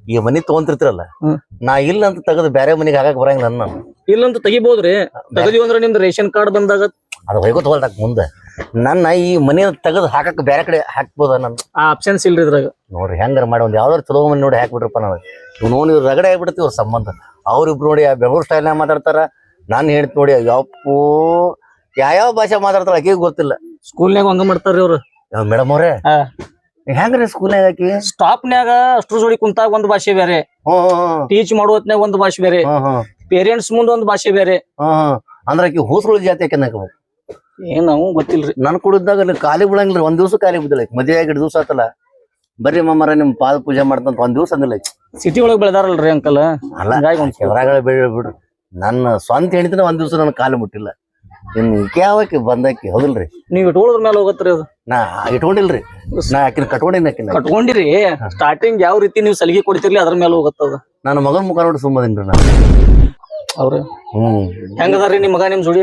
ಈ ಮನಿ ತಗೊಂತಿರ್ತಿರಲ್ಲ ನಾ ಇಲ್ಲ ಅಂತ ತೆಗೆದು ಬೇರೆ ಮನಿಗೆ ಹಾಕಕ್ ಬರಂಗಿಲ್ಲ ನಾನು ಇಲ್ಲ ಅಂತ ತೆಗಿಬಹುದ್ರಿ ತೆಗದಿವಿ ಅಂದ್ರ ನಿಮ್ದು ರೇಷನ್ ಕಾರ್ಡ್ ಬಂದಾಗ ಅದು ಹೋಯ್ಕೋ ತಗೊಳ್ತಾಕ ಮುಂದೆ ನನ್ನ ಈ ಮನಿ ತೆಗೆದು ಹಾಕಕ್ ಬೇರೆ ಕಡೆ ಹಾಕ್ಬೋದ ನನ್ ಆ ಆಪ್ಷನ್ಸ್ ಇಲ್ರಿ ಇದ್ರಾಗ ನೋಡ್ರಿ ಹೆಂಗಾರ ಮಾಡಿ ಒಂದ್ ಯಾವ್ದಾರು ಚಲೋ ಮನಿ ನೋಡಿ ಹಾಕ್ಬಿಟ್ರಪ್ಪ ನಾವು ಇವ್ ನೋಡಿ ರಗಡೆ ಆಗ್ಬಿಡ್ತೀವಿ ಅವ್ರ ಸಂಬಂಧ ಅವ್ರಿಬ್ರು ನೋಡಿ ಬೆಂಗಳೂರು ಸ್ಟೈಲ್ನಾಗ ಮಾತಾಡ್ತಾರ ನಾನು ಹೇಳ್ತಿ ನೋಡಿ ಯಪ್ಪೋ ಯಾವ ಭಾಷೆ ಮಾತಾಡ್ತಾರ ಆಕಿಗೆ ಗೊತ್ತಿಲ್ಲ ಸ್ಕೂಲ್ನ್ಯಾಗ ಹಂಗ ಮಾಡ್ತಾರ್ರಿ ಅವ್ರು ಮೇಡಮ್ ಅವ್ರೆ ಹೆಂಗ್ರಿ ಸ್ಕೂಲ್ನಾಗ ಹಾಕಿ ಸ್ಟಾಪ್ನ್ಯಾಗ ಅಷ್ಟ್ರ ಜೋಡಿ ಕುಂತಾಗ ಒಂದ್ ಭಾಷೆ ಬೇರೆ ಟೀಚ್ ಮಾಡೋ ಹೊತ್ನ್ಯಾಗ ಒಂದ್ ಭಾಷೆ ಬೇರೆ ಪೇರೆಂಟ್ಸ್ ಮುಂದ್ ಒಂದ್ ಭಾಷೆ ಬೇರೆ ಅಂದ್ರ ಆಕಿ ಹೂಸ್ಗಳು ಜಾತಿ ಆಕೆ ನಾಕ ಏನ್ ನಾವು ಗೊತ್ತಿಲ್ರಿ ನನ್ ಕುಡಿದಾಗ ಅಲ್ಲಿ ಖಾಲಿ ಬಿಡಂಗಿಲ್ಲ ಒಂದ್ ದಿವ್ಸ ಖಾಲಿ ಬಿದ್ದಿಲ್ಲ ಮದ್ವೆ ಆಗಿ 2 ದಿವ್ಸ ಆತಲ್ಲ ಬರ್ರಿ ಮಮ್ಮರ ನಿಮ್ ಪಾದ ಪೂಜೆ ಮಾಡ್ತಂತ ಒಂದ್ ದಿವ್ಸ ಅಂದಿಲ್ಲ ಸಿಟಿ ಒಳಗ್ ಬೆಳೆದಾರಲ್ರಿ ಅಂಕಲ್ ಅಲ್ಲ ಬಿಡ್ರಿ ನನ್ನ ಸ್ವಂತ ಹೆಣ್ತಿನ ಒಂದ್ ದಿವ್ಸ ನನ್ ಕಾಲು ಮುಟ್ಟಿಲ್ಲ ಇನ್ ಯಾವಕ್ಕೆ ಬಂದಾಕಿ ಹೌದಿಲ್ರಿ ನೀವ್ ಇಟ್ಕೊಳ್ಳೋದ್ರ ಮೇಲೆ ಹೋಗತ್ರಿ ಅದು ನಾ ಇಟ್ಕೊಂಡಿಲ್ರಿ ನಾ ಆಕಿನ ಕಟ್ಕೊಂಡಿನ ಕಟ್ಕೊಂಡಿರಿ ಸ್ಟಾರ್ಟಿಂಗ್ ಯಾವ ರೀತಿ ನೀವು ಸಲಿಗೆ ಕೊಡ್ತಿರ್ಲಿ ಅದ್ರ ಮೇಲೆ ಹೋಗತ್ತದ ನನ್ನ ಮಗನ್ ಮುಖ ನೋಡಿ ಸುಮ್ಮದಿನ್ರಿ ನಾ ಅವ್ರ ಹೆಂಗದಾರ್ರಿ ನಿಮ್ ಮಗ ನಿಮ್ ಜೋಡಿ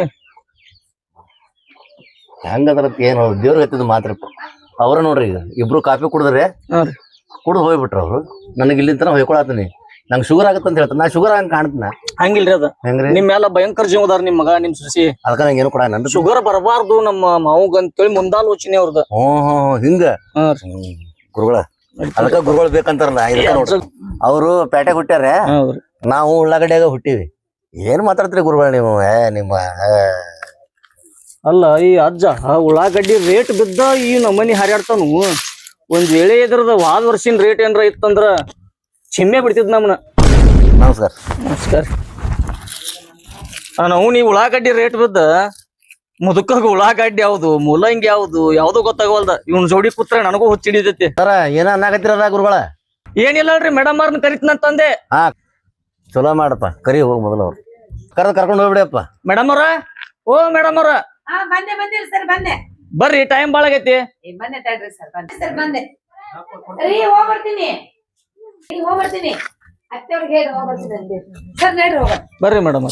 ಹೆಂಗದ್ರ ಏನ್ ದೇವ್ರ ಹತ್ತಿದ್ ಮಾತ್ರ ಅವ್ರ ನೋಡ್ರಿ ಈಗ ಇಬ್ರು ಕಾಫಿ ಕುಡಿದ್ರೆ ಕುಡ್ದು ಹೋಗ್ಬಿಟ್ರ ಅವ್ರು ನನಗೆ ಇಲ್ಲಿಂದ ತನ ಹೊಯ್ಕೊಳತೀನಿ ನಂಗೆ ಶುಗರ್ ಆಗತ್ತ ಅಂತ ಹೇಳ್ತಾನೆ ನಾ ಶುಗರ್ ಹಂಗ ಕಾಣ್ತನ ಹಂಗಿಲ್ರಿ ಅದ ಹೆಂಗ್ರಿ ನಿಮ್ ಎಲ್ಲ ಭಯಂಕರ ಜೀವದಾರ ನಿಮ್ ಮಗ ನಿಮ್ ಸಸಿ ಅದಕ್ಕ ನಂಗೆ ಏನು ಕೊಡ ನನ್ ಶುಗರ್ ಬರಬಾರ್ದು ನಮ್ಮ ಮಾವುಗ ಅಂತೇಳಿ ಮುಂದಾಲೋಚನೆ ಅವ್ರದ ಹಿಂಗ ಗುರುಗಳ ಅದಕ್ಕ ಗುರುಗಳು ಬೇಕಂತಾರಲ್ಲ ಅವರು ಪೇಟೆ ಹುಟ್ಟ್ಯಾರ ನಾವು ಉಳ್ಳಾಗಡ್ಯಾಗ ಹುಟ್ಟಿವಿ ಏನ್ ಮಾತಾಡ್ತೀರಿ ಗುರುಗಳ ನೀವು ನಿಮ್ಮ ಅಲ್ಲ ಈ ಅಜ್ಜ ಉಳ್ಳಾಗಡ್ಡಿ ರೇಟ್ ಬಿದ್ದ ಈ ನಮ್ಮನಿ ಹಾರ್ಯಾಡ್ತಾನು ಒಂದ್ ವೇಳೆ ಇದ್ರದ ವಾದ ವರ್ಷಿನ ರೇಟ್ ಏನ್ರ ಇತ್ತಂದ್ರ ಚಿಮ್ಮೆ ಬಿಡ್ತಿದ್ ನಮ್ಮನ ನಮಸ್ಕಾರ ನಮಸ್ಕಾರ ನಾವು ನೀ ಉಳ್ಳಾಗಡ್ಡಿ ರೇಟ್ ಬಿದ್ದ ಮುದುಕಾಗ ಉಳ್ಳಾಗಡ್ಡಿ ಯಾವ್ದು ಮೂಲಂಗಿ ಯಾವ್ದು ಗೊತ್ತಾಗವಲ್ದ ಇವ್ನ ಜೋಡಿ ಕೂತ್ರೆ ನನಗೂ ಹುಚ್ಚಿಡಿದೈತಿ ಸರ ಏನ ಅನ್ನಾಗತ್ತಿರದ ಗುರುಗಳ ಏನಿಲ್ಲಲ್ರಿ ಮೇಡಮ್ ಅವ್ರನ್ನ ಕರಿತನಂತಂದೆ ಹಾ ಚಲೋ ಮಾಡಪ್ಪ ಕರಿ ಹೋಗ್ ಮೊದಲ ಅವ್ರು ಕರ್ಕೊಂಡು ಹೋಗ್ಬಿಡಿಯಪ್ಪ ಮೇಡಮ್ ಅವ್ರ ಓ ಮೇಡಮ್ ಅವ್ರ ಬಂದಿರಿ ಸರ್ ಬಂದೆ ಬರ್ರಿ ಟೈಮ್ ಬಾಳ ಆಗೈತಿ ಬಂದೆ ತಡ್ರಿ ಸರ್ ಬಂದೆ ಸರ್ ಬಂದೆ ರೀ ಹೋಗ್ಬರ್ತೀನಿ ಹೋಗ್ಬರ್ತೀನಿ ಅತ್ತೆಯವ್ರಿಗೆ ಹೇಳಿ ಹೋಗ್ಬರ್ತೀನಿ ಸರ್ ನಡ್ರಿ ಹೋಗ ಬರ್ರಿ ಮೇಡಮ್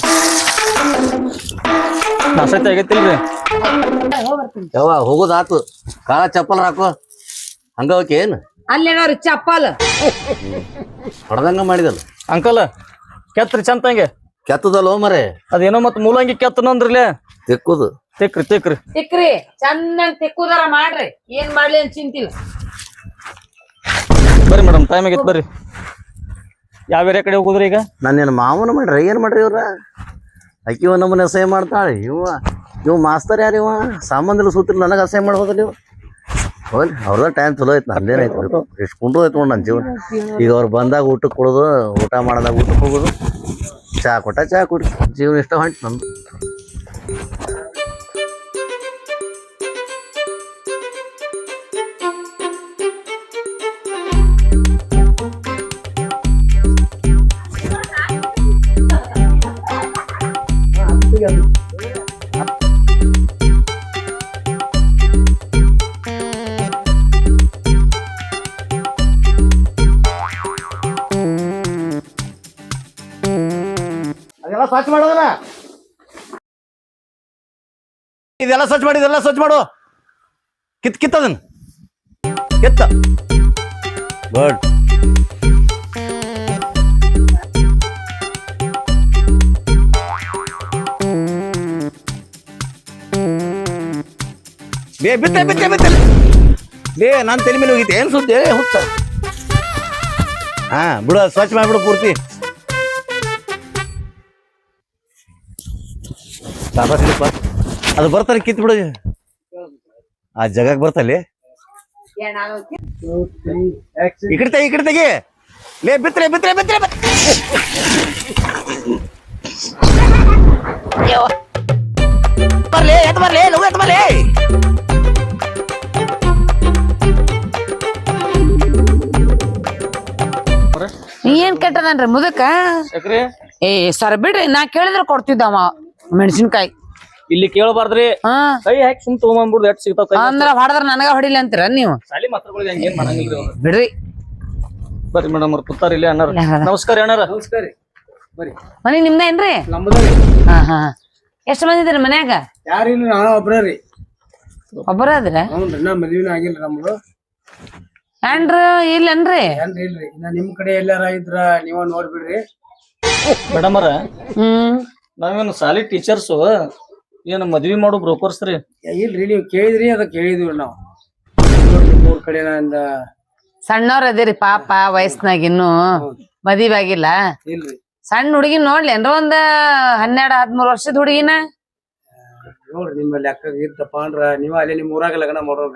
ನಾಸತಿ ಆಗೈತಿಲ್ರಿ ಹೋಗ್ಬರ್ತೀನಿ ಯಾವ ಹೋಗೋದಾತು ಕಾಲ ಚಪ್ಪಲ್ ಹಾಕೋ ಹಂಗ ಹೋಗಿ ಏನ್ ಅಲ್ಲೇನವ್ರಿ ಚಪ್ಪಲ್ ಹೊಡೆದಂಗ ಮಾಡಿದಲ್ಲ ಅಂಕಲ್ ಕೆತ್ರಿ ಚಂತಂಗೆ ಕೆತ್ತದಲ್ಲ ಮರೆ ಅದೇನೋ ಮತ್ ಮೂಲಂಗಿ ಕೆತ್ತನಂದ್ರಲೇ ತೆಕ್ಕುದು ತಿಕ್ರಿ ತಿಕ್ರಿ ಚೆನ್ನಾಗಿ ತಿಕ್ಕುದಾರ ಮಾಡ್ರಿ ಏನ್ ಮಾಡ್ಲಿ ಅಂತ ಚಿಂತಿಲ್ಲ ಬರ್ರಿ ಮೇಡಮ್ ಟೈಮ್ ಆಗೈತಿ ಬರ್ರಿ ಯಾವ ಏರಿಯಾ ಕಡೆ ಹೋಗುದ್ರಿ ಈಗ ನಾನೇನು ಮಾವನ ಮಾಡ್ರಿ ಏನ್ ಮಾಡ್ರಿ ಇವ್ರ ಅಕ್ಕಿ ಒಂದ್ ನಮ್ಮನೆ ಅಸಹ್ಯ ಮಾಡ್ತಾಳೆ ಇವ್ ಮಾಸ್ತರ್ ಯಾರ ಇವ ಸಾಮಾನ್ಯ ಸೂತ್ರ ನನಗೆ ಅಸಹ್ಯ ಮಾಡ್ಬೋದ ನೀವು ಹೋಗ್ಲಿ ಅವ್ರದ ಟೈಮ್ ಚಲೋ ಐತಿ ನಂದೇನೈತಿ ಎಷ್ಟು ಕುಂಡ್ರು ಐತಿ ನನ್ನ ಜೀವನ ಈಗ ಅವ್ರು ಬಂದಾಗ ಊಟಕ್ಕೆ ಕೊಡೋದು ಊಟ ಮಾಡಿದಾಗ ಊಟಕ್ಕೆ ಹೋಗೋದು ಚಾ ಕೊಟ್ಟ ಚಾ ಕುಡಿ ಜೀವನ ಇಷ್ಟ ಹೊಂಟು ನಮ್ದು ಅದೆಲ್ಲ ಸ್ವಚ್ಛ ಮಾಡೋದನ ಇದೆಲ್ಲ ಸ್ವಚ್ಛ ಮಾಡು ಕಿತ್ತದನ್ ಕಿತ್ತ ಗುಡ್ ಬೇ ನಾನು ತಲೆ ಮೇಲೆ ಹೋಗಿದ್ದೆ ಏನ್ ಸುದ್ದಿ ಹುತ್ತ ಹಾ ಬಿಡು ಸ್ವಚ್ಛ ಮಾಡ್ಬಿಡು ಪೂರ್ತಿ ಅದು ಬರ್ತಾರೆ ಕಿತ್ ಬಿಡು ಆ ಜಗಕ್ಕೆ ಬರ್ತಲ್ಲಿ ಈ ಕಡೆ ತೆಗಿ ಲೇ ಬಿತ್ರೆ ಬರ್ಲಿ ಎತ್ ಬರ್ಲಿ ಲಗು ಎತ್ ಬರ್ಲಿ ಏನ್ ಕೆಟ್ಟದನ್ರಿ ಮುದಕ ಏ ಸರ್ ಬಿಡ್ರಿ ನಾ ಕೇಳಿದ್ರೆ ಕೊಡ್ತಿದ್ದವ ಮೆಣಸಿನ್ಕಾಯಿ ಇಲ್ಲಿ ಕೇಳಬಾರ್ದ್ರಿ ಕೈ ಹಾಕಿ ಸುಮ್ ತಗೊಂಡ್ಬಿಡ್ದು ಎಟ್ ಸಿಗ್ತಾವ ಅಂದ್ರ ಹೊಡೆದ್ರ ನನಗ ಹೊಡಿಲಿ ಅಂತೀರ ನೀವು ಸಾಲಿ ಮಾತ್ರಗಳಿಗೆ ಹಂಗೇನ್ ಮಾಡಂಗಿಲ್ರಿ ಬಿಡ್ರಿ ಬರ್ರಿ ಮೇಡಮ್ ಅವ್ರ ಕೂತಾರ ಇಲ್ಲಿ ಅಣ್ಣಾರ ನಮಸ್ಕಾರ ಅಣ್ಣಾರ ನಮಸ್ಕಾರ ಬರ್ರಿ ಮನಿ ನಿಮ್ದೇನ್ರಿ ನಮ್ಮದ್ರಿ ಹಾ ಎಷ್ಟ್ ಮಂದಿ ಇದ್ರಿ ಮನ್ಯಾಗ ಯಾರಿಲ್ಲ ನಾನು ಒಬ್ರ ರೀ ಒಬ್ಬರ ಅದ್ರ ಹ್ಞೂನ್ರಿ ನಾ ಮದ್ವಿನ ಆಗಿಲ್ರಿ ನಮ್ದು ಹೆಂಡ್ರ ಇಲ್ಲನ್ರಿ ಏನ್ರಿ ಇಲ್ರಿ ಇನ್ನ ನಿಮ್ ಕಡೆ ಎಲ್ಲಾರ ಇದ್ರ ನೀವ ನೋಡ್ಬಿಡ್ರಿ. ಮೇಡಮರ ಹ್ಮ್ ನಾವೇನು ಸಾಲಿ ಟೀಚರ್ಸು ಏನು ಮದ್ವಿ ಮಾಡೋ ಬ್ರೋಕರ್ಸ್ ರೀ. ಇಲ್ರಿ ನೀವು ಕೇಳಿದ್ರಿ ಅದ ಕೇಳಿದ್ವಿ ನಾವು. ನೋಡ್ರಿ ಮೂರ್ ಕಡೆ ನಂದ ಸಣ್ಣವ್ರ ಅದಿರಿ ಪಾಪ ವಯಸ್ಸಿನಾಗ ಇನ್ನು ಮದ್ವಿ ಆಗಿಲ್ಲ. ಇಲ್ರಿ ಸಣ್ಣ ಹುಡುಗಿನ ನೋಡ್ಲೇನ್ರ ಒಂದ್ 12-13 ವರ್ಷದ ಹುಡುಗಿನ. ನೋಡ್ರಿ ನಿಮ್ಮ ಲೆಕ್ಕ ಇರ್ತಪ್ಪ ಅಂದ್ರ ನೀವ ಅಲ್ಲಿ ನಿಮ್ ಊರಾಗ ಲಗ್ನ ಮಾಡೋರ್ರಿ.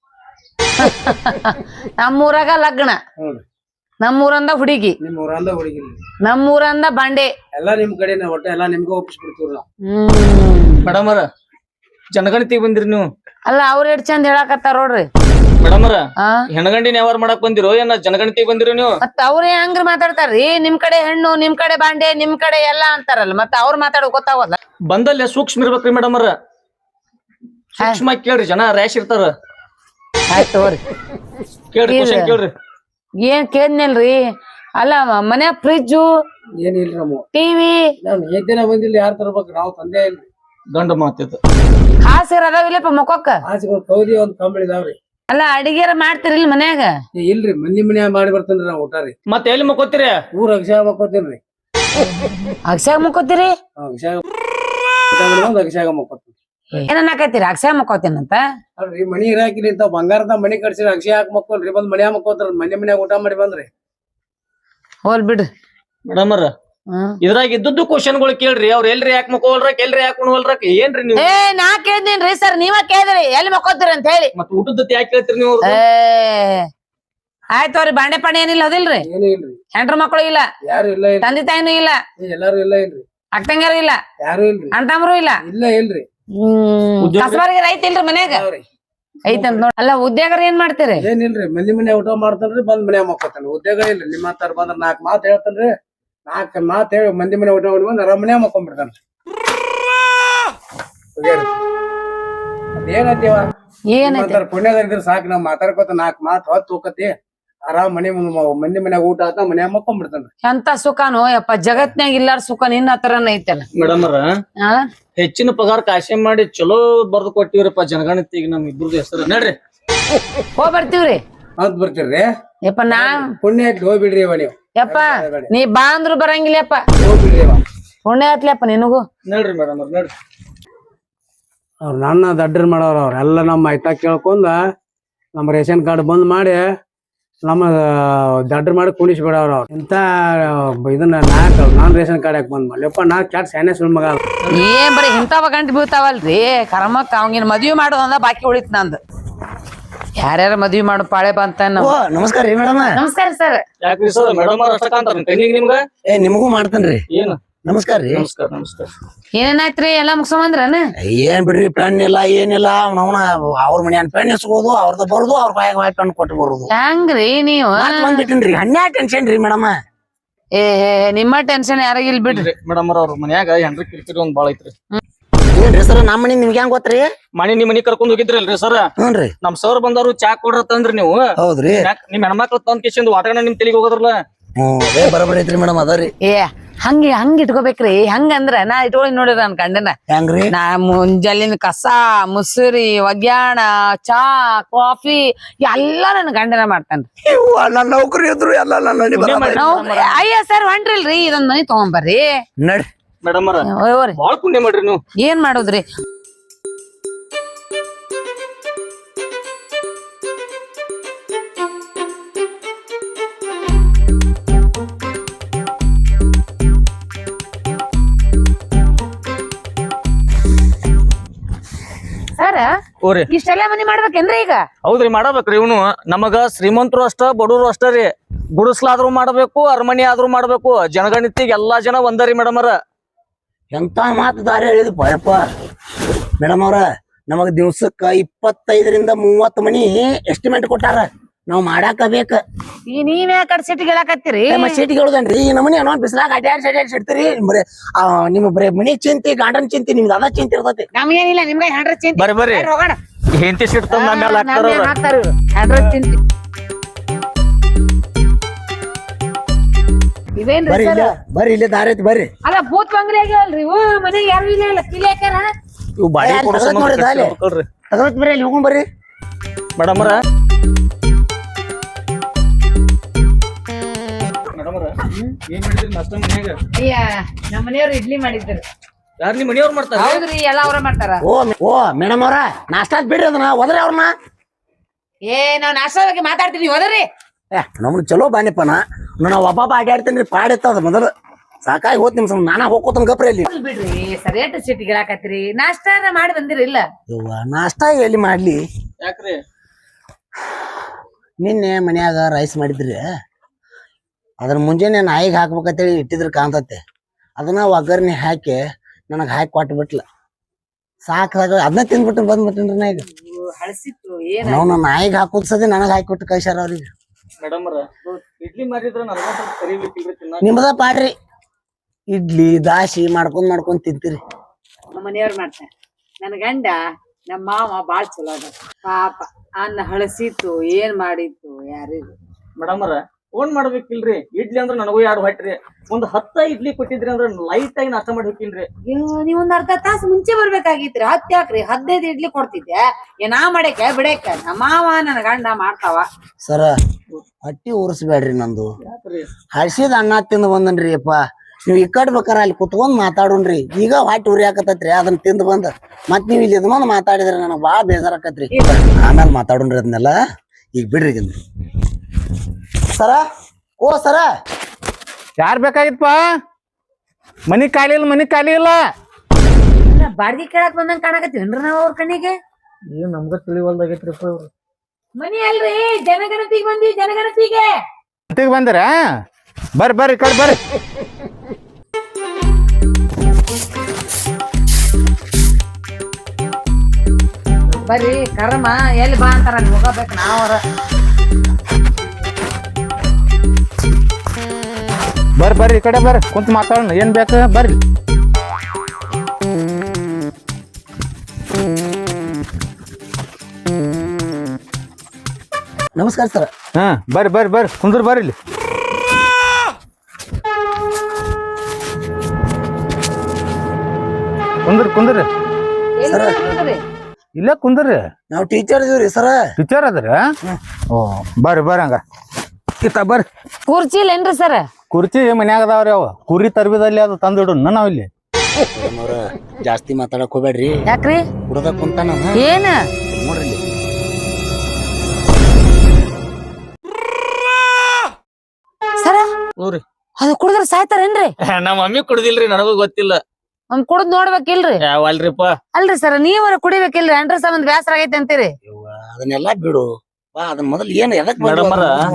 ನಮ್ಮೂರಾಗ ಲಗ್ನ, ನೋಡ್ರಿ ನಮ್ಮೂರಂದ ಹುಡುಗಿ, ನಿಮ್ ಊರಂದ ಹುಡುಗಿಲ್ರಿ ನಮ್ಮೂರಂದ ಬಾಂಡೆ. ಎಲ್ಲಾ ನಿಮ್ ಕಡೆ ಒಟ್ಟ ಎಲ್ಲಾ ನಿಮ್ಗ ಒಪ್ಪಿಸ್ಬಿಡ್ತೀವ್ರಿ ನಾವು. ಮೇಡಮರ ಜನಗಣತಿ ಬಂದಿರಿ ನೀವು. ಅಲ್ಲ ಅವ್ರ ಎಷ್ಟ್ ಚಂದ ಹೇಳಾಕತ್ತಾರ ನೋಡ್ರಿ. ಮೇಡಮರ ಆ ಹೆಣಗಂಡಿನ ಯಾವಾರ ಮಾಡಕ್ ಬಂದಿರೋ ಏನ ಜನಗಣತಿ ಬಂದಿರೋ ನೀವು? ಮತ್ತ ಅವ್ರೇ ಹಂಗ್ರ ಮಾತಾಡ್ತಾರ್ರಿ. ನಿಮ್ ಕಡೆ ಹೆಣ್ಣು, ನಿಮ್ ಕಡೆ ಬಾಂಡೆ, ನಿಮ್ ಕಡೆ ಎಲ್ಲಾ ಅಂತಾರಲ್ಲ, ಮತ್ತ ಅವ್ರ ಮಾತಾಡೋ ಗೊತ್ತಾವಲ್ಲ. ಬಂದಲ್ಲೇ ಸೂಕ್ಷ್ಮ ಇರ್ಬೇಕ್ರಿ ಮೇಡಮರ. ಸೂಕ್ಷ್ಮ ಕೇಳ್ರಿ, ಜನ ರ್ಯಾಶ್ ಇರ್ತಾರ. ಆಯ್ತು ತಗೋರಿ. ಕೇಳ್ರಿ, ಕ್ವಶನ್ ಕೇಳ್ರಿ. ಏನ್ ಕೇಳ್ನಲ್ರಿ. ಅಲ್ಲ ಮನ್ಯಾಗ ಫ್ರಿಜ್ಜು, ಏನಿಲ್ರಿ ನಮ್ಮ ಟಿವಿ, ನಾವ್ ದಿನ ಬಂದಿಲ್ಲ. ಯಾರು ತರ್ಬೇಕು? ನಾವು ತಂದೆ ಇಲ್ರಿ. ಗಂಡ ಮಾತಿತ್ತು ಹಾಸಿರ ಅದಾವಿಲ್ಲಪ್ಪ ಮಕ್ಕೊಕ್ಕ. ಆಚೆ ಕೌದಿ ಒಂದ್ ಕಂಬಳಿ ಇದಾವ್ರಿ. ಅಲ್ಲ ಅಡಿಗೆರ ಮಾಡ್ತಿರಿಲ್ ಮನ್ಯಾಗ? ಇಲ್ರಿ ಮಂದಿ ಮನ್ಯಾಗ ಮಾಡಿ ಬರ್ತೇನ್ರಿ ನಾವ್ ಊಟ ರೀ. ಮತ್ತೆ ಎಲ್ಲಿ ಮಕ್ಕೋತೀರಿ? ಊರ್ ಅಗಸ್ಯಾಗ ಮಕ್ಕೋತೇನ್ರಿ. ಅಗಸ್ಯಾಗ ಮಕ್ಕೋತೀರಿ? ಅಗಸ್ಯಾಗ ಅಗಸ್ಯಾಗ ಮಕ್ಕೋತೀನಿ. ಏನನ್ನಾಕೈತಿರಿ ಅಗಸ್ಯಾಗ ಮಕ್ಕೋತೀನಂತ? ಅಲ್ರಿ ಮನಿ ಇರಾಕಿರಿ ಇಂತ ಬಂಗಾರದ ಮನಿ ಕಟ್ಸಿರಿ ಅಗಸ್ಯಾಗ ಹಾಕಿ ಮಕ್ಕೋಲ್ರಿ. ಬಂದ್ ಮನ್ಯಾಗ ಮಕ್ಕೋತಾರ. ಮನ್ಯಾಗ ಊಟ ಮಾಡಿ ಬಂದ್ರಿ. ಹೋಲ್ ಬಿಡ್ರಿ ಮೇಡಮರ. ಇದ್ರಾಗ ಇದ್ದದ್ದು ಕ್ವಶನ್ಗಳು ಕೇಳ್ರಿ. ಅವ್ರ ಎಲ್ರಿ ಯಾಕೆ ಮಕ್ಕೋಲ್ರಕ್, ಎಲ್ರಿ ಯಾಕೆ ಉಣ್ವಲ್ರಕ್ ಏನ್ರಿ ನೀವು? ನಾ ಕೇಳ್ದೇನ್ರಿ ಸರ್, ನೀವ ಕೇಳಿದ್ರಿ ಎಲ್ಲಿ ಮಕ್ಕೋತೀರಿ ಅಂತ ಹೇಳಿ. ಮತ್ ಊಟದ ಯಾಕೆ ಕೇಳ್ತೀರಿ ನೀವು? ಆಯ್ತವ್ರಿ. ಬಾಂಡೆ ಪಾಂಡೆ ಏನಿಲ್ಲ ಹೌದಿಲ್ರಿ? ಏನು ಇಲ್ರಿ. ಹೆಂಡ್ರ ಮಕ್ಕಳು ಇಲ್ಲ, ಯಾರು ಇಲ್ಲ ಇಲ್ರಿ. ತಂದೆ ತಾಯಿನೂ ಇಲ್ಲ, ಎಲ್ಲಾರು ಇಲ್ಲ ಇಲ್ರಿ. ಅಕ್ಕಂಗಾರು ಇಲ್ಲ, ಯಾರು ಇಲ್ರಿ. ಅಣ್ತಮ್ರು ಇಲ್ಲ. ಇಲ್ಲ ಇಲ್ರಿ. ಕಸಬಾರಿಗೆ ರೈತ ಇಲ್ರಿ ಮನ್ಯಾಗ? ಐತಂತ ನೋಡ್. ಅಲ್ಲ ಉದ್ಯೋಗರ ಏನ್ ಮಾಡ್ತೀರಿ? ಏನಿಲ್ರಿ ಮಂದಿ ಮನ್ಯಾಗ ಊಟ ಮಾಡ್ತಾನ್ರಿ. ಬಂದ್ ಮನ್ಯಾಗ ಮಕ್ಕೋತಾನ. ಉದ್ಯೋಗ ಇಲ್ರಿ. ನಿಮ್ಮ ಹತ್ತಾರ ಬಂದ್ರ 4 ಮಾತು ಹೇಳ್ತಾನ್ರಿ. 4 ಮಾತು ಹೇಳಿ ಮಂದಿ ಮನೆ ಊಟ ಮಾಡಿ ಬಂದ್ ಆರಾಮ್ ಮನ್ಯಾಗ ಮಕ್ಕೊಂಡ್ಬಿಡ್ತಾನ. ಏನಂತೀವ? ಏನೈತಿ ಪುಣ್ಯದ ಇದ್ರ ಸಾಕು. ನಾವ್ ಮಾತಾಡ್ಕೊತ 4 ಮಾತು ಹೊತ್ತು ಹೋಗತಿ. ಆರಾಮ್ ಮಂದಿ ಮನ್ಯಾಗ ಊಟ ಆತ ಮನ್ಯಾಗ ಮಕ್ಕೊಂಡ್ಬಿಡ್ತಾನ. ಎಂತ ಸುಖನೋ ಯಪ್ಪ, ಜಗತ್ನ್ಯಾಗ ಇಲ್ಲಾರ ಸುಖ ನಿನ್ನ ಹತ್ರನ ಐತಲ್ಲ. ಮೇಡಮರ ಹೆಚ್ಚಿನ ಪಗಾರ ಕಾಶಿ ಮಾಡಿ ಚಲೋ ಬರ್ದು ಕೊಟ್ಟಿವ್ರಪ್ಪ ಜನಗಣತಿಗೆ. ನಮ್ ಇಬ್ರದ್ದು ಹೆಸರು ನೋಡ್ರಿ. ಹೋಗ್ ಬರ್ತೀವ್ರಿ ಅಂತ ಬರ್ತೀರ್ರಿ. ಯಪ್ಪ. ನಾ ಪುಣ್ಯ ಐತಿ ಹೋಗ್ಬಿಡ್ರಿ ಇವ ನೀವು. ಯಪ್ಪ ನೀ ಬಾ ಅಂದ್ರು ಬರಂಗಿಲ್ಲಪ್ಪ. ಹೋಗ್ಬಿಡ್ರಿ ಇವ. ಪುಣ್ಯ ಆತ್ಲಪ್ಪ ನಿನಗೂ. ನೋಡ್ರಿ ಮೇಡಮರ್ ನೋಡ್ರಿ. ಅವ್ರ ನನ್ನ ದಡ್ಡರ್ ಮಾಡೋರು. ಅವ್ರೆಲ್ಲ ನಮ್ಮ ಐತಾ ಕೇಳ್ಕೊಂಡ ನಮ್ಮ ರೇಷನ್ ಕಾರ್ಡ್ ಬಂದ್ ಮಾಡಿ ನಮ್ಮ ದಡ್ಡರ್ ಮಾಡಿ ಕುಣಿಸ್ಬಿಡವ್ರ. ಅವ್ರು ಇಂತ ಇದನ್ನ ನಾನ್ ರೇಷನ್ ಕಾರ್ಡ್ ಯಾಕೆ ಬಂದ್ ಮಾಡ್ಲಿಪ್ಪ? ನಾ ಕ್ಯಾಟ್ ಸ್ಯಾನೆ ಸುಳ್ ಮಗ. ಏನ್ ಬರೀ ಇಂಥವ ಗಂಟು ಬೀಳ್ತಾವಲ್ರಿ. ಕರ್ಮಕ್ಕ ಅವಂಗಿನ ಮದ್ವಿ ಮಾಡೋದಂದ ಬಾಕಿ ಉಳಿತ್ ನಂದು. ಯಾರ್ಯಾರ ಮದ್ವಿ ಮಾಡೋ ಪಾಳೆ ಬಂತ. ನಮಸ್ಕಾರ ರೀ ಮೇಡಮ್. ನಮಸ್ಕಾರ ಸರ್. ಯಾಕ್ರಿ ಸರ್ ಮೇಡಮರ್ ಅಷ್ಟಕ್ಕಂತಾರ ಕಣ್ಣಿಗೆ ನಿಮ್ಗ? ನಿಮಗೂ ಮಾಡ್ತೇನ್ರಿ. ಏನು ನಮಸ್ಕಾರ ರೀ. ನಮಸ್ಕಾರ ನಮಸ್ಕಾರ. ಏನೇನಾಯ್ತ್ರಿ ಎಲ್ಲಾ ಮುಗ್ಸಂಬಂದ್ರನ? ಏನ್ ಬಿಡ್ರಿ, ಪೆನ್ ಇಲ್ಲ ಏನಿಲ್ಲ. ಅವನ ಅವ್ರ ಮನ್ಯಾನ ಪೆನ್ ಎಸ್ಕೋದು, ಅವ್ರದ ಬರೋದು, ಅವ್ರ ಬಾಯಾಗ ಪೆನ್ ಕೊಟ್ಟು ಬರೋದು. ಹೆಂಗ್ರಿ ನೀವು? ಬಂದ್ಬಿಟ್ಟಿನ್ರಿ. ಹನ್ಯಾ ಟೆನ್ಷನ್ ರೀ ಮೇಡಮ್. ನಿಮ್ಮ ಟೆನ್ಷನ್ ಯಾರಿಗಿಲ್ ಬಿಡ್ರಿ. ಮೇಡಮರ್ ಅವ್ರ ಮನ್ಯಾಗ ಹೆಂಡ್ರಿ ಕಿರಿಕಿರಿ ಒಂದ್ ಬಾಳ ಐತ್ರಿ. ಏನ್ರಿ ಸರ್ ನಮ್ಮ ಮನಿ ನಿಮ್ಗೆ ಹೆಂಗ್ ಗೊತ್ತ್ರಿ? ನಿಮ್ ಮನಿ ಕರ್ಕೊಂಡ್ ಹೋಗಿದ್ರಲ್ರಿ ಸರ್? ಹ್ಞೂನ್ರಿ. ನಮ್ ಸರ್ ಬಂದವ್ರು ಚಾ ಕೊಡ್ರ ತಂದ್ರಿ ನೀವು? ಹೌದ್ರಿ. ನಿಮ್ ಹೆಣ್ಮಕ್ಳು ತಂದ್ ಕಿಶಿಂದ ವಾಟಗಣ ನಿಮ್ ತಲೆಗೆ ಹೋಗೋದ್ರಲ್ಲ. ಬರಬರಿ ಐತ್ರಿ ಮೇಡಮ್. ಅದರಿ ಹಂಗ ಇಟ್ಕೋಬೇಕ್ರಿ. ಹಂಗಂದ್ರ ನಾ ಇಟ್ಕೊಳ್ಳಿ ನೋಡಿರ ನನ್ ಗಂಡನ. ಹೆಂಗ್ರಿ? ನಾ ಮುಂಜಾಲಿನ ಕಸ ಮುಸುರಿ ಒಗ್ಯಾಣ ಚಾ ಕಾಫಿ ಎಲ್ಲಾ ನನ್ ಗಂಡನ ಮಾಡ್ತಾನ್ರಿ. ನನ್ನ ನೌಕರಿ ಇದ್ರು ಎಲ್ಲ ಅಯ್ಯ ಸರ್ ಹೊಂಟ್ರಿಲ್ರಿ, ಇದೊಂದ್ ಮನಿ ತಗೊಂಬರ್ರಿ. ನಡ್ರಿ ಮೇಡಮರ ಬಾಳ ಪುಣ್ಯ ಮಾಡ್ರಿ ನೀವು. ಏನ್ ಮಾಡೋದ್ರಿ? ಸರ್ ಇಷ್ಟೆಲ್ಲ ಮನಿ ಮಾಡ್ಬೇಕೇನ್ರಿ ಈಗ? ಹೌದ್ರಿ ಮಾಡಬೇಕ್ರಿ. ಇವನು ನಮಗ ಶ್ರೀಮಂತರು ಅಷ್ಟ ಬಡವರು ಅಷ್ಟ ರೀ. ಗುಡಿಸ್ಲಾದ್ರೂ ಮಾಡ್ಬೇಕು, ಅರಮನಿ ಆದ್ರೂ ಮಾಡ್ಬೇಕು. ಜನಗಣತಿಗೆ ಎಲ್ಲಾ ಜನ ಒಂದರಿ ಮೇಡಮರ. ಎಂತ ಮಾತು ದಾರಿ ಹೇಳಿದ್ಪ ಯಪ್ಪ ಮೇಡಮ್ ಅವ್ರ. ನಮಗ್ ದಿವ್ಸಕ್ಕ 25ರಿಂದ 30 ಮನಿ ಎಸ್ಟಿಮೇಟ್ ಕೊಟ್ಟಾರ. ನಾವ್ ಮಾಡಾಕ ಬೇಕ. ನೀವೇ ಕಡೆ ಸಿಟಿಗೆ ಹೇಳಕತ್ತೀರಿ? ಸೀಟಿಗೆ ಹೇಳುದನ್ರಿ. ಈ ನಮನಿ ಅನ್ನೋ ಬಿಸಿಲಾಗ ಅಡ್ಯಾಡ್ಸಿಡ್ತೀರಿ. ಬರೀ ನಿಮ್ ಬರೀ ಮನಿ ಚಿಂತಿ, ಗಾರ್ಡನ್ ಚಿಂತಿ, ನಿಮ್ದು ಅದ ಚಿಂತಿ ಇರ್ತೈತಿ. ನಮ್ಗೇನಿಲ್ಲ, ನಿಮ್ಗೆ ಹ್ಯಾಂಡ್ರ ಚಿಂತಿ. ಬರ್ರಿ ಬರ್ರಿ ಹೋಗೋಣ. ಹೆಂಡತಿ ಸಿಟ್ಟು ತಂದ್ ನಮ್ಮ ಮೇಲೆ ಹಾಕ್ತಾರ. ಹ್ಯಾಂಡ್ರ ಚಿಂತಿ ಇವೇನ್ರಿ ಬರ್ರಿ ಸರ್? ಬರ್ರಿ ಇಲ್ಲಿ ದಾರಿ ಐತಿ ಬರ್ರಿ. ಅಲ್ಲ ಭೂತ್ ಬಂಗ್ಲೆ ಆಗ್ಯಾವಲ್ರಿ ಇವು. ಮನೆಗೆ ಯಾರು ಇಲ್ಲ, ಕಿಲಿ ಹಾಕ್ಯಾರ. ಇವು ಬಾಡಿ ಬರ್ರಿ ಅಲ್ಲಿ ಹೋಗೋಣ ಬರ್ರಿ. ಮೇಡಮರ ಏನ್ ಮಾಡಿದ್ರಿ ನಾಷ್ಟ ಮನ್ಯಾಗ? ಅಯ್ಯ ನಮ್ಮ ಮನೆಯವ್ರು ಇಡ್ಲಿ ಮಾಡಿದ್ರು. ಯಾರ್ ನಿಮ್ ಮನೆಯವ್ರು ಮಾಡ್ತಾರ? ಹೌದ್ರಿ ಎಲ್ಲಾ ಅವ್ರ ಮಾಡ್ತಾರ. ಓ ಮೇಡಮ್ ಅವ್ರ ನಾಷ್ಟಾ ಬಿಡ್ರಿ ಅದನ್ನ ಹೋದ್ರಿ ಅವ್ರನ್ನ. ನಾವ್ ನಾಷ್ಟಾ ಬಗ್ಗೆ ಮಾತಾಡ್ತೀವಿ ಹೋದ್ರಿ. ನಮ್ದು ಚಲೋ ಬಾನಿಪ್ಪನ ನಾವು ಒಬ್ಬ ಅಡ್ಯಾಡ್ತೀನಿ ಪಾಡಿತ್ತದ ಮೊದಲು ಸಾಕಾಗಿ ಹೋತ್ ನಿಮ್ ನಾನಾ ಹೋಗ್ಕೋತನ ಗಪ್ರಿ ಅಲ್ಲಿ. ಬಿಡ್ರಿ ಸರಿಯಾದ ಸಿಟ್ಟಿಗೆ ಹೇಳಾಕತ್ರಿ. ನಾಷ್ಟಾ ಮಾಡಿ ಬಂದಿರಿಲ್ಲ? ನಾಷ್ಟಾ ಎಲ್ಲಿ ಮಾಡ್ಲಿ? ಯಾಕ್ರಿ? ನಿನ್ನೆ ಮನ್ಯಾಗ ರೈಸ್ ಮಾಡಿದ್ರಿ, ಅದ್ರ ಮುಂಜಾನೆ ನಾಯಿಗೆ ಹಾಕ್ಬೇಕಂತೇಳಿ ಇಟ್ಟಿದ್ರ ಕಾಣ್ತತೆ. ಅದನ್ನ ಒಗ್ಗರ್ನಿ ಹಾಕಿ ನನಗೆ ಹಾಕಿ ಕೊಟ್ಟು ಬಿಟ್ಲ. ಸಾಕಾಗ ಅದನ್ನ ತಿಂದ್ಬಿಟ್ಟು ಬಂದ್ಬಿಟ್ಟಿನ್ರಿ ನಾ ಈಗ. ಹಳಸಿತ್ತು ನಾವು ನನ್ನ ನಾಯಿಗೆ ಹಾಕೋದ್ ಸದಿ ನನಗೆ ಹಾಕಿ ಕೊಟ್ಟು ಕಳ್ಸ್ಯಾರ ಅವ್ರಿಗೆ. ಮೇಡಮ್ ಇಡ್ಲಿ ಮಾಡಿದ್ರ ನನಗ ಸ್ವಲ್ಪ ಕರಿಬೇಕಿಲ್ರಿ ತಿನ್ನ. ನಿಮ್ದ ಪಾಡ್ರಿ ಇಡ್ಲಿ ದಾಸಿ ಮಾಡ್ಕೊಂಡ್ ತಿಂತೀರಿ. ನಮ್ಮ ಮನೆಯವ್ರು ಮಾಡ್ತಾರ. ನನ್ ಗಂಡ ನಮ್ಮ ಮಾವ ಬಾಳ್ ಚಲೋ ಅದ ಪಾಪ. ಅನ್ನ ಹಳಸಿತ್ತು ಏನ್ ಮಾಡಿತ್ತು ಯಾರಿಗೂ. Madam phone ಮಾಡ್ಬೇಕಿಲ್ರಿ? ಇಡ್ಲಿ ಅಂದ್ರ ನನಗೂ 2 ಹೊಟ್ರಿ. ಒಂದ್ 10 ಇಡ್ಲಿ ಕೊಟ್ಟಿದ್ರಿ ಅಂದ್ರ ಲೈಟ್ ಆಗಿ ನಾಷ್ಟ ಮಾಡಿ ಹೋಗಿನ್ರಿ. ನೀವ್ ಒಂದ್ ಅರ್ಧ ತಾಸು ಮುಂಚೆ ಬರ್ಬೇಕಾಗಿತ್ರಿ. 10 ಯಾಕ್ರಿ 15 ಇಡ್ಲಿ ಕೊಡ್ತಿದ್ದೆ. ನಾ ಮಾಡಕ್ಕೆ ಬಿಡಕ್ಕ ನಮ್ಮ ಮಾವ ನನ್ನ ಗಂಡ ಮಾಡ್ತಾವ. ಸರ ಹೊಟ್ಟಿ ಉರ್ಸ್ಬೇಡ್ರಿ ನಂದು. ಯಾಕ್ರಿ? ಹಳ್ಸಿದ ಅನ್ನ ತಿಂದು ಬಂದನ್ರಿ ಅಪ್ಪ. ನೀವ್ ಈ ಕಡೆ ಬೇಕಾರ ಅಲ್ಲಿ ಕುತ್ಕೊಂಡ್ ಮಾತಾಡೋಣ್ರಿ. ಈಗ ಹೊಟ್ಟಿ ಉರಿಯಾಕತ್ತೈತ್ರಿ ಅದನ್ನ ತಿಂದು ಬಂದ ಮತ್ ನೀವ್ ಇಲ್ಲಿ ಬಂದ್ ಮಾತಾಡಿದ್ರಿ ನನಗ್ ಬಾಳ ಬೇಜಾರಾಕತ್ರಿ. ಆಮೇಲೆ ಮಾತಾಡೋಣ್ರಿ ಅದನ್ನೆಲ್ಲ. ಈಗ ಬಿಡ್ರಿ ಸರ. ಓ ಸರ ಯಾರ್ ಬೇಕಾಗಿತ್ತಪ್ಪ? ಮನಿ ಖಾಲಿ ಇಲ್ಲ. ಬಾಡ್ಗಿ ಕೇಳಕ್ ಬಂದಂಗ ಕಾಣಕತ್ತೀವನ್ರಿ ನಾವ್ ಅವ್ರ ಕಣ್ಣಿಗೆ. ಏನ್ ನಮ್ಗ ತಿಳಿವಲ್ದಾಗೈತ್ರಿಪ್ಪ ಇವ್ರು. ಮನಿ ಅಲ್ರಿ ಜನಗಣತಿಗೆ ಬಂದಿ. ಜನಗಣತಿಗೆ ಅಂತಿಗೆ ಬಂದಿರ? ಬರ್ರಿ ಕಡೆ ಬರ್ರಿ. ಬರ್ರಿ ಕರ್ಮ ಎಲ್ಲಿ ಬಾ ಅಂತಾರ ಅಲ್ಲಿ ಹೋಗಬೇಕು ನಾವರ. ಬರ್ರಿ ಈ ಕಡೆ ಬರ್ರಿ ಕುಂತ ಮಾತಾಡೋಣ. ಏನ್ ಬೇಕು ಬರ್ರಿ. ನಮಸ್ಕಾರ ಸರ್. ಹಾ ಬರ್ರಿ ಕುಂದ್ರ ಬರ್ರಿ ಇಲ್ಲಿ. ಕುಂದ್ರಿ ಇಲ್ಲೇ ಕುಂದ್ರಿ. ನಾವು ಟೀಚರ್ ಇದೀವ್ರಿ ಸರ. ಟೀಚರ್ ಅದ್ರ? ಓ ಬರ್ರಿ ಹಂಗ ಇತ್ತ ಬರ್ರಿ. ಕುರ್ಚಿ ಇಲ್ಲೇನ್ರಿ ಸರ್? ಕುರ್ಚಿ ಮನ್ಯಾಗ ಅದಾವ್ರಿ. ಅವ ಕುರಿ ತರ್ಬಿದಲ್ಲಿ ಅದು ತಂದಿಡು ನಾವ್ ಇಲ್ಲಿ. ಜಾಸ್ತಿ ಮಾತಾಡಕ್ ಹೋಗ್ಬೇಡ್ರಿ. ಯಾಕ್ರಿ? ಹುಡುಗ ಕುಂತಾನ ಏನ ನೋಡ್ರಿ. ಸರ ನೋಡ್ರಿ ಅದು ಕುಡಿದ್ರ ಸಾಯ್ತಾರೇನ್ರಿ? ನಮ್ಮ ಮಮ್ಮಿ ಕುಡ್ದಿಲ್ರಿ, ನನಗೂ ಗೊತ್ತಿಲ್ಲ. ಕುಡ್ದ್ ನೋಡ್ಬೇಕಿಲ್ರಿ? ಅಲ್ರಿಪ್ಪ. ಅಲ್ರಿ ಸರ್ ನೀವರ ಕುಡಿಬೇಕಿಲ್ರಿ? ಅಂಡ್ರ ಸಂಬಂಧ ಬ್ಯಾಸರ ಆಗೈತೆ ಅಂತೀರಿ. ಅದನ್ನೆಲ್ಲ ಬಿಡು ಬಾ. ಅದನ್ನ ಮೊದಲು ಏನ್ ಎದಕ್ ಮೇಡಮ್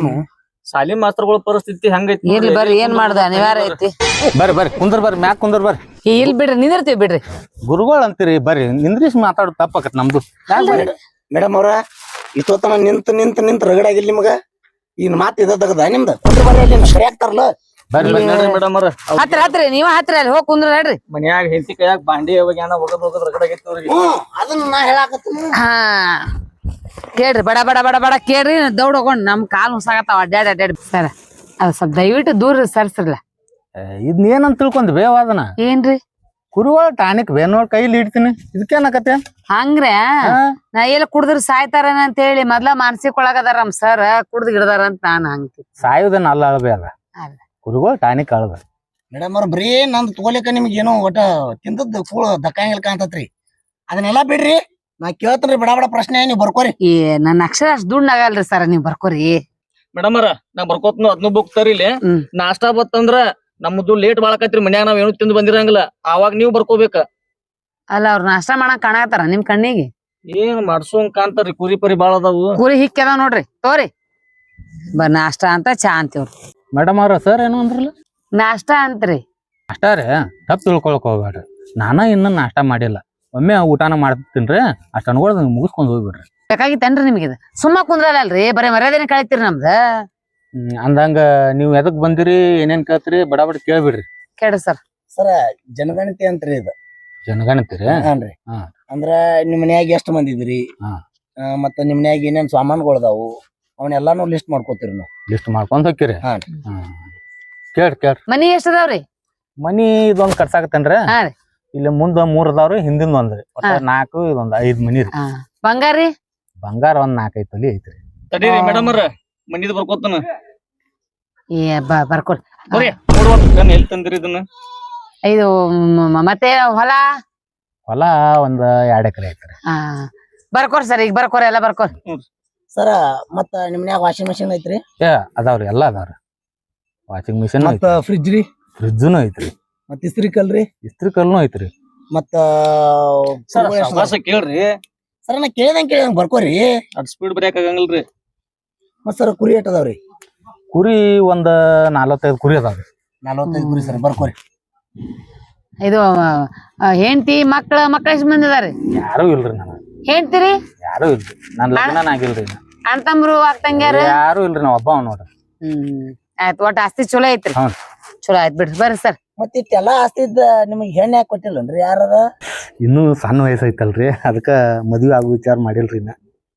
ಶಾಲಿ ಮಾಸ್ತರ್ಗಳ ಪರಿಸ್ಥಿತಿ ಹಂಗೈತಿ. ಇರ್ಲಿ ಬರ್ರಿ ಏನ್ ಮಾಡ್ದ ಅನಿವಾರ್ಯ ಐತಿ. ಬರ್ರಿ ಕುಂದ್ರ ಬರ್ರಿ ಮ್ಯಾಕ್ ಕುಂದ್ರ ಬರ್ರಿ. ಇಲ್ ಬಿಡ್ರಿ ನಿಂದಿರ್ತೀವಿ ಬಿಡ್ರಿ. ಗುರುಗಳು ಅಂತೀರಿ ಬರ್ರಿ. ನಿಂದ್ರಿಸ್ ಮಾತಾಡೋದು ತಪ್ಪಾಕತ್ ನಮ್ದು. ಮೇಡಮ್ ಅವ್ರ ಇಷ್ಟೊತ್ತನ ನಿಂತ ರಗಡಾಗಿಲ್ಲ ನಿಮಗ. ಇನ್ ಮಾತ್ ಇದ್ದದ ನಿಮ್ದು. ಕುಂದ್ರ ಬರ್ರಿ ಅಲ್ಲಿ ಸರಿ ಆಗ್ತಾರಲ್ಲ. ಬರ್ರಿ ಮೇಡಮ್ ಹತ್ರ ನೀವ ಹತ್ರ ಅಲ್ಲಿ ಹೋಗಿ ಕುಂದ್ರ ಹೇಳ್ರಿ. ಮನ್ಯಾಗ ಹೆಂಡತಿ ಕೈಯಾಗ ಬಾಂಡಿ ಹೋಗದ್ ರಗಡಾಗೈತಿ ಅವ್ರಿಗೆ. ಅದನ್ನ ನಾ ಹೇಳಾಕತ್ತೀನಿ. ಹಾ ಕೇಳ್ರಿ ಬಡ ಕೇಳ್ರಿ. ದೌಡ್ ಹೋಗೊಂಡ್ ನಮ್ ಕಾಲ್ ಹುಸಾಗತ್ತಾವ ಅಡ್ಡಾಡಿ ಸರ್. ಅದ್ ಸ್ವಲ್ಪ ದಯವಿಟ್ಟು ದೂರ ಸರ್ಸ್ರಲ್ಲ. ಇದನ್ನ ಏನಂತ ತಿಳ್ಕೊಂಡ್ ಬೇವಾದನ ಏನ್ರಿ? ಕುರುಗಳ ಟಾನಿಕ್ ಬೇನೋಡ್ ಕೈಲಿ ಇಡ್ತೀನಿ. ಇದಕ್ಕೇನಕತ್ತೆ ಹಂಗ್ರೆ ನಾ ಎಲ್ಲ ಕುಡ್ದ್ರ ಸಾಯ್ತಾರನ ಅಂತ ಹೇಳಿ ಮೊದ್ಲ ಮಾನಸಿಕ ಒಳಗದಾರ ನಮ್ ಸರ್. ಕುಡ್ದ್ ಗಿಡದಾರ ಅಂತ ನಾನ್ ಹಂಗ್ತಿ. ಸಾಯುದನ್ನ ಅಳಬೇ ಅಲ್ಲ ಕುರುಗಳ ಟಾನಿಕ್ ಅಳದ. ಮೇಡಮ್ ಅವ್ರ ಬರೀ ನಂದು ತಗೋಲಿಕ್ಕ ನಿಮ್ಗೆ ಏನೋ ಒಟ್ಟ ತಿಂದದ್ದು ಕೂಳ ದಕ್ಕಂಗಿಲ್ಲ ಕಾಣ್ತತ್ರಿ. ಅದನ್ನೆಲ್ಲ ಬಿಡ್ರಿ. ನಾ ಕೇಳ್ತೇನ್ರಿ ಬಡ ಪ್ರಶ್ನೆ ನೀವ್ ಬರ್ಕೋರಿ. ನನ್ನ ಅಕ್ಷರ ಅಷ್ಟ್ ದುಡ್ಡು ಆಗಲ್ರಿ ಸರ್ ನೀವ್ ಬರ್ಕೋರಿ. ಮೇಡಮ್ ನಾ ಬರ್ಕೋತ್ನು ಅದ್ನು ಬುಕ್ ತರಿಲಿ. ನಾಷ್ಟಾ ಬತ್ತಂದ್ರ ನಮ್ದು ಲೇಟ್ ಬಾಳಕತ್ರಿ. ಮನ್ಯಾಗ ನಾವ್ ಏನು ತಿಂದು ಬಂದಿರಂಗಿಲ್ಲ. ಅವಾಗ ನೀವ್ ಬರ್ಕೋಬೇಕ. ಅಲ್ಲ ಅವ್ರ ನಾಷ್ಟಾ ಮಾಡಕ್ ಕಾಣತಾರ ನಿಮ್ ಕಣ್ಣಿಗೆ? ಏನ್ ಮಾಡ್ಸೋಂಗ್ ಕಾಣ್ತಾರ್ರಿ. ಕುರಿ ಪರಿ ಬಾಳ ಅದಾವು. ಕುರಿ ಹಿಕ್ಕದಾವ್ ನೋಡ್ರಿ. ತೋರಿ ನಾಷ್ಟಾ ಅಂತ ಚಾ ಅಂತೀವ್ರಿ. ಮೇಡಮ್ ಅವ್ರ ಸರ್ ಏನು ಅಂದ್ರಲ್ಲ? ನಾಷ್ಟಾ ಅಂತ್ರಿ. ಅಷ್ಟ ರೀ ತಪ್ಪು ತಿಳ್ಕೊಳಕ್ ಹೋಗ್ಬೇಡ್ರಿ. ನಾನ ಇನ್ನ ನಾಷ್ಟ ಮಾಡಿಲ್ಲ. ಒಮ್ಮೆ ಊಟನ ಮಾಡ್ತೀನ್ರಿ. ಅಷ್ಟ ಅನ್ಕೊಳ್ ಮುಗಿಸ್ಕೊಂಡ್ ಹೋಗ್ಬಿಡ್ರಿ. ಬೇಕಾಗಿತ್ತೇನ್ರಿ ನಿಮ್ಗೆ? ಸುಮ್ಮ ಕುಂದ್ರಲ್ರಿ ಬರೀ ಮರ್ಯಾದೆನ ಕಳಿತೀರಿ ನಮ್ದ. ಅಂದಂಗ ನೀವ್ ಎದಕ್ ಬಂದಿರಿ ಏನೇನ್ ಕೇಳ್ತೀರಿ ಬಡ ಕೇಳ್ಬಿಡ್ರಿ. ಕೇಳ್ರಿ ಸರ್. ಸರ ಜನಗಣತಿ ಅಂತ್ರಿ ಇದು. ಜನಗಣತಿರಿ? ಹಾನ್ರಿ. ಅಂದ್ರ ನಿಮ್ ಮನ್ಯಾಗ ಎಷ್ಟ್ ಮಂದಿ ಇದ್ರಿ, ಮತ್ತ ನಿಮ್ ಮನ್ಯಾಗ ಏನೇನ್ ಸಾಮಾನುಗಳದಾವು ಅವನ್ನೆಲ್ಲಾನು ಲಿಸ್ಟ್ ಮಾಡ್ಕೋತೀರಿ ನಾವು. ಲಿಸ್ಟ್ ಮಾಡ್ಕೊಂಡ್ ಹೋಗ್ತೀರಿ? ಕೇಳ್ರಿ. ಮನಿ ಎಷ್ಟ್ ಅದಾವ್ರಿ? ಮನಿ ಇದೊಂದ್ ಕಟ್ಸಾಕತ್ತೇನ್ರಿ. ಇಲ್ಲಿ ಮುಂದ 3 ಅದಾವ್ರಿ, ಹಿಂದಿಂದ ಒಂದ್ರಿ. 4 ಇದೊಂದ್ 5 ಮನಿ ರೀ. ಬಂಗಾರಿ? ಬಂಗಾರ ಒಂದ್ 4-5 ತೊಲಿ ಐತ್ರಿ. ತಡೀರಿ ಮೇಡಮ್ ಮನಿದ್ ಬರ್ಕೋತಾನ. ಬರ್ಕೊಡ್ ನೋಡುವ ಎಲ್ಲಿ ತಂದಿರಿ ಇದನ್ನ ಇದು ಮತ್ತೆ ಹೊಲ ಹೊಲ ಒಂದ್ 2 ಎಕರೆ ಐತ್ರಿ. ಬರ್ಕೋರ್ ಸರ್ ಈಗ ಬರ್ಕೋರ್ ಎಲ್ಲ ಬರ್ಕೋರ್. ಸರ ಮತ್ತ ನಿಮ್ನ್ಯಾಗ ವಾಷಿಂಗ್ ಮೆಷಿನ್ ಐತ್ರಿ ಅದಾವ್ರಿ ಎಲ್ಲಾ ಅದಾವ್ರಿ. ವಾಷಿಂಗ್ ಮಿಷಿನ್ ಮತ್ತ ಫ್ರಿಜ್ ರೀ ಫ್ರಿಜ್ನು ಐತ್ರಿ. ಮತ್ತ ಇಸ್ತ್ರಿ ಕಲ್ರಿ ಇಸ್ತ್ರಿ ಕಲ್ನು ಐತ್ರಿ. ಮತ್ತ ಸರ್ ಸಾವಕಾಶ ಕೇಳ್ರಿ. ಸರ ನಾ ಕೇಳ್ದಂಗ್ ಬರ್ಕೋರಿ. ಅದ್ ಸ್ಪೀಡ್ ಬ್ರೇಕ್ ಆಗಂಗಿಲ್ರಿ. ಮತ್ ಸರ ಕುರಿ ಎಟ್ ಅದಾವ್ರಿ? ಕುರಿ ಒಂದ್ 45 ಕುರಿ ಅದಾವ್ರಿ. 45 ಕುರಿ ಸರ್ ಬರ್ಕೋರಿ. ಇದು ಹೆಂಡತಿ ಮಕ್ಳ ಎಷ್ಟು ಮಂದಿ ಅದಾರಿ? ಯಾರು ಇಲ್ರಿ ನನಗ. ಹೆಂಡ್ತಿರಿ ಯಾರು ಇಲ್ರಿ. ನನ್ ಲಗ್ನ ಆಗಿಲ್ರಿ. ಅಣ್ಣ ತಮ್ರು ಅಕ್ಕಂಗ್ಯಾರ ಯಾರು ಇಲ್ರಿ. ನಾವ್ ಒಬ್ಬ ನೋಡ್ರಿ. ಆಯ್ತು ಒಟ್ಟ ಆಸ್ತಿ ಚಲೋ ಐತ್ರಿ. ಹ್ಞೂ. ಚಲೋ ಆಯ್ತು ಬಿಡ್ರಿ ಬರ್ರಿ ಸರ್. ಮತ್ ಇಟ್ಟೆಲ್ಲಾ ಆಸ್ತಿ ಇದ್ದ ನಿಮಗ್ ಹೆಣ್ಣು ಯಾಕೆ ಕೊಟ್ಟಿಲ್ಲನ್ರಿ ಯಾರದ? ಇನ್ನೂ ಸಣ್ಣ ವಯಸ್ಸು ಐತಲ್ರಿ, ಅದಕ್ಕ ಮದ್ವಿ ಆಗೋ ವಿಚಾರ ಮಾಡಿಲ್ರಿ ಇನ್ನ.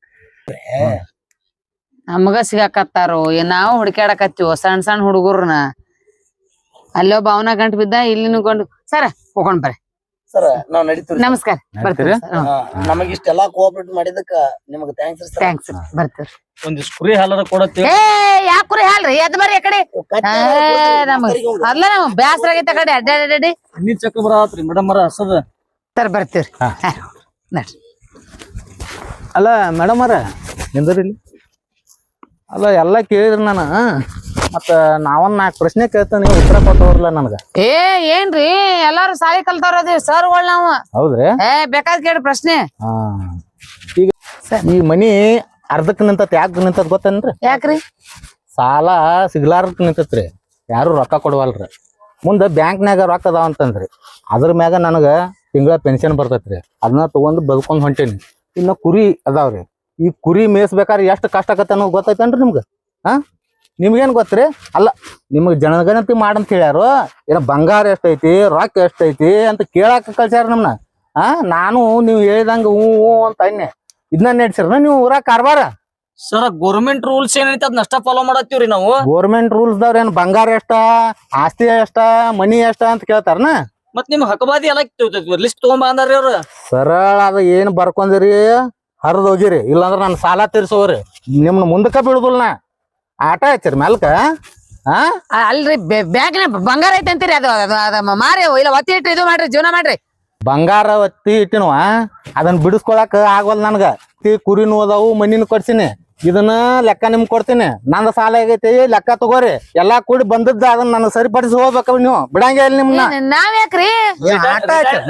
ನಮಗ ಸಿಗಾಕತ್ತಾರೋ ನಾವು ಹುಡುಕ್ಯಾಡಕತ್ತೀವೋ ಸಣ್ಣ ಹುಡುಗರ್ನ. ಅಲ್ಲೋ ಭಾವನಾ ಗಂಟು ಬಿದ್ದ ಇಲ್ಲಿನೂ ಗಂಟು. ಸರ ಹೋಗೋಣ ಬರ್ರಿ. ಸರ ನಾವ್ ನಡೀತೀವಿ. ನಮಸ್ಕಾರ ಬರ್ತೀವಿ. ನಮಗ್ ಇಷ್ಟೆಲ್ಲಾ ಕೋಆಪರೇಟ್ ಮಾಡಿದಕ್ಕ ನಿಮಗ್ ಥ್ಯಾಂಕ್ಸ್ ಸರ್. ಥ್ಯಾಂಕ್ಸ್ ಬರ್ತೀವಿ. ಒಂದಿಷ್ಟು ಕುರಿ ಹಾಲರ ಕೊಡತ್ತೇಳಿ. ಯಾಕ್ರಿ ಹಾಲ್ರಿ ಎದ್ ಬರ್ರಿ ಆ ಕಡೆ. ಅಲ್ಲ ನಾವು ಬ್ಯಾಸರ ಆಗೈತೆ ಕಡೆ ಅಡ್ಡಾಡಿ ನೀರ್ ಚಕ್ಕ ಬರತ್ರಿ ಮೇಡಮ್ ಅವರ ಹಸದ. ಸರ್ ಬರ್ತೀವ್ರಿ. ನಡ್ರಿ. ಅಲ್ಲ ಮೇಡಮ್ ಅವ್ರ ನಿಂದ್ರಿ ಇಲ್ಲಿ. ಅಲ್ಲ ಎಲ್ಲ ಕೇಳಿದ್ರಿ ನಾನು. ಮತ್ತ ನಾವೊಂದ್ 4 ಪ್ರಶ್ನೆ ಕೇಳ್ತಾನೆ, ನೀವು ಉತ್ತರ ಕೊಟ್ಟವ್ರಲ್ಲ ನನಗ. ಏನ್ರಿ ಎಲ್ಲಾರು ಸಾಲಿ ಕಲ್ತವ್ರ ಅದೇವ್ ಸರ್ಗಳು ನಾವು. ಹೌದ್ರಿ? ಬೇಕಾದ್ ಕೇಳಿ ಪ್ರಶ್ನೆ. ಈಗ ಈ ಮನಿ ಅರ್ಧಕ್ ನಿಂತತ್ ಯಾಕೆ ನಿಂತತ್ ಗೊತ್ತೇನ್ರಿ? ಯಾಕ್ರಿ? ಸಾಲ ಸಿಗ್ಲಾರ್ದಕ್ ನಿಂತತ್ರಿ. ಯಾರು ರೊಕ್ಕ ಕೊಡವಲ್ರಿ. ಮುಂದೆ ಬ್ಯಾಂಕ್ನಾಗ ರೊಕ್ಕ ಅದಾವ ಅಂತಂದ್ರಿ, ಅದ್ರ ಮ್ಯಾಗ ನನಗ ತಿಂಗಳ ಪೆನ್ಷನ್ ಬರ್ತೈತ್ರಿ. ಅದನ್ನ ತಗೊಂಡ್ ಬದುಕೊಂಡ್ ಹೊಂಟೇನಿ. ಇನ್ನ ಕುರಿ ಅದಾವ್ರಿ. ಈ ಕುರಿ ಮೇಯಿಸ್ಬೇಕಾದ್ರೆ ಎಷ್ಟು ಕಷ್ಟ ಆಗತ್ತೆ ಅನ್ನೋದು ಗೊತ್ತೈತೇನ್ರಿ ನಿಮ್ಗ? ನಿಮ್ಗೇನ್ ಗೊತ್ತ್ರಿ? ಅಲ್ಲ ನಿಮ್ಗೆ ಜನಗಣತಿ ಮಾಡಂತ ಹೇಳ್ಯಾರು. ಏನ ಬಂಗಾರ ಎಷ್ಟೈತಿ, ರೊಕ್ಕ ಎಷ್ಟೈತಿ ಅಂತ ಕೇಳಾಕ ಕಳ್ಸ್ಯಾರ ನಮ್ನ. ನಾನು ನೀವು ಹೇಳಿದಂಗ ಹೂ ಅಂತ ಅನ್ನೆ. ಇದನ್ನ ನಡೆಸಿರ ನೀವು ಊರಾಗ ಕಾರ್ಬಾರ. ಸರ್ ಗೌರ್ಮೆಂಟ್ ರೂಲ್ಸ್ ಏನೈತಿ ಅದ್ ನಷ್ಟ ಫಾಲೋ ಮಾಡತ್ತೀವ್ರಿ ನಾವು. ಗೋರ್ಮೆಂಟ್ ರೂಲ್ಸ್ ದವ್ರ ಏನ್ ಬಂಗಾರ ಎಷ್ಟ, ಆಸ್ತಿ ಎಷ್ಟ, ಮನಿ ಎಷ್ಟ ಅಂತ ಕೇಳ್ತಾರನ? ಮತ್ ನಿಮ್ ಹಕಬಾದಿ ಎಲ್ಲ ಲಿಸ್ಟ್ ತಗೊಂಡ್ ಬಂದಾರ್ರಿ ಅವ್ರ. ಸರಳ ಅದ ಏನ್ ಬರ್ಕೊಂದಿರಿ ಹರಿದ್ ಹೋಗಿರಿ. ಇಲ್ಲಾಂದ್ರ ನನ್ ಸಾಲ ತೀರ್ಸೋರಿ. ನಿಮ್ನ ಮುಂದಕ್ಕ ಬಿಡುದಿಲ್ಲ ನಾ. ಆಟ ಹಚ್ಚಿರಿ ಮೆಲ್ಕ. ಅಲ್ರಿ ಬ್ಯಾಂಕ್ನ ಬಂಗಾರ ಐತೆ ಅಂತೀರಿ. ಅದು ಮಾರಿ ಇಲ್ಲ ಒತ್ತಿ ಇಟ್ರಿ ಇದು ಮಾಡ್ರಿ ಜೀವನ ಮಾಡ್ರಿ. ಬಂಗಾರ ಒತ್ತಿ ಇಟ್ಟಿನವ ಅದನ್ನ ಬಿಡಿಸ್ಕೊಳಕ್ ಆಗವಲ್ ನನ್ಗ. ಕುರಿನೂ ಅದಾವು, ಮನಿನೂ ಕೊಡ್ಸಿನಿ. ಇದನ್ನ ಲೆಕ್ಕ ನಿಮ್ಗೆ ಕೊಡ್ತೀನಿ. ನಂದ ಸಾಲ ಆಗೈತಿ, ಲೆಕ್ಕ ತಗೋರಿ. ಎಲ್ಲಾ ಕೂಡಿ ಬಂದದ್ದ ಅದನ್ನ ನಾನು ಸರಿಪಡಿಸಿ ಹೋಗ್ಬೇಕ. ನೀವು ಬಿಡಂಗೇ ಇಲ್ಲ ನಿಮ್ನ. ನಾವ್ ಯಾಕ್ರಿ ಆಟ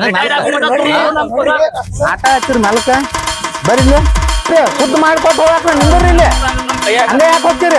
ಹಚ್ಚಿರಿ ಮೆಲ್ಕ. ಬರ್ರಿ ಶುದ್ಧ ಮಾಡ್ಕೊತ ಹೋಗಾಕ ನಿಂದ್ರಿ ಇಲ್ಲಿ. ಹಂಗ ಯಾಕೆ ಹೋಗ್ತೀರಿ?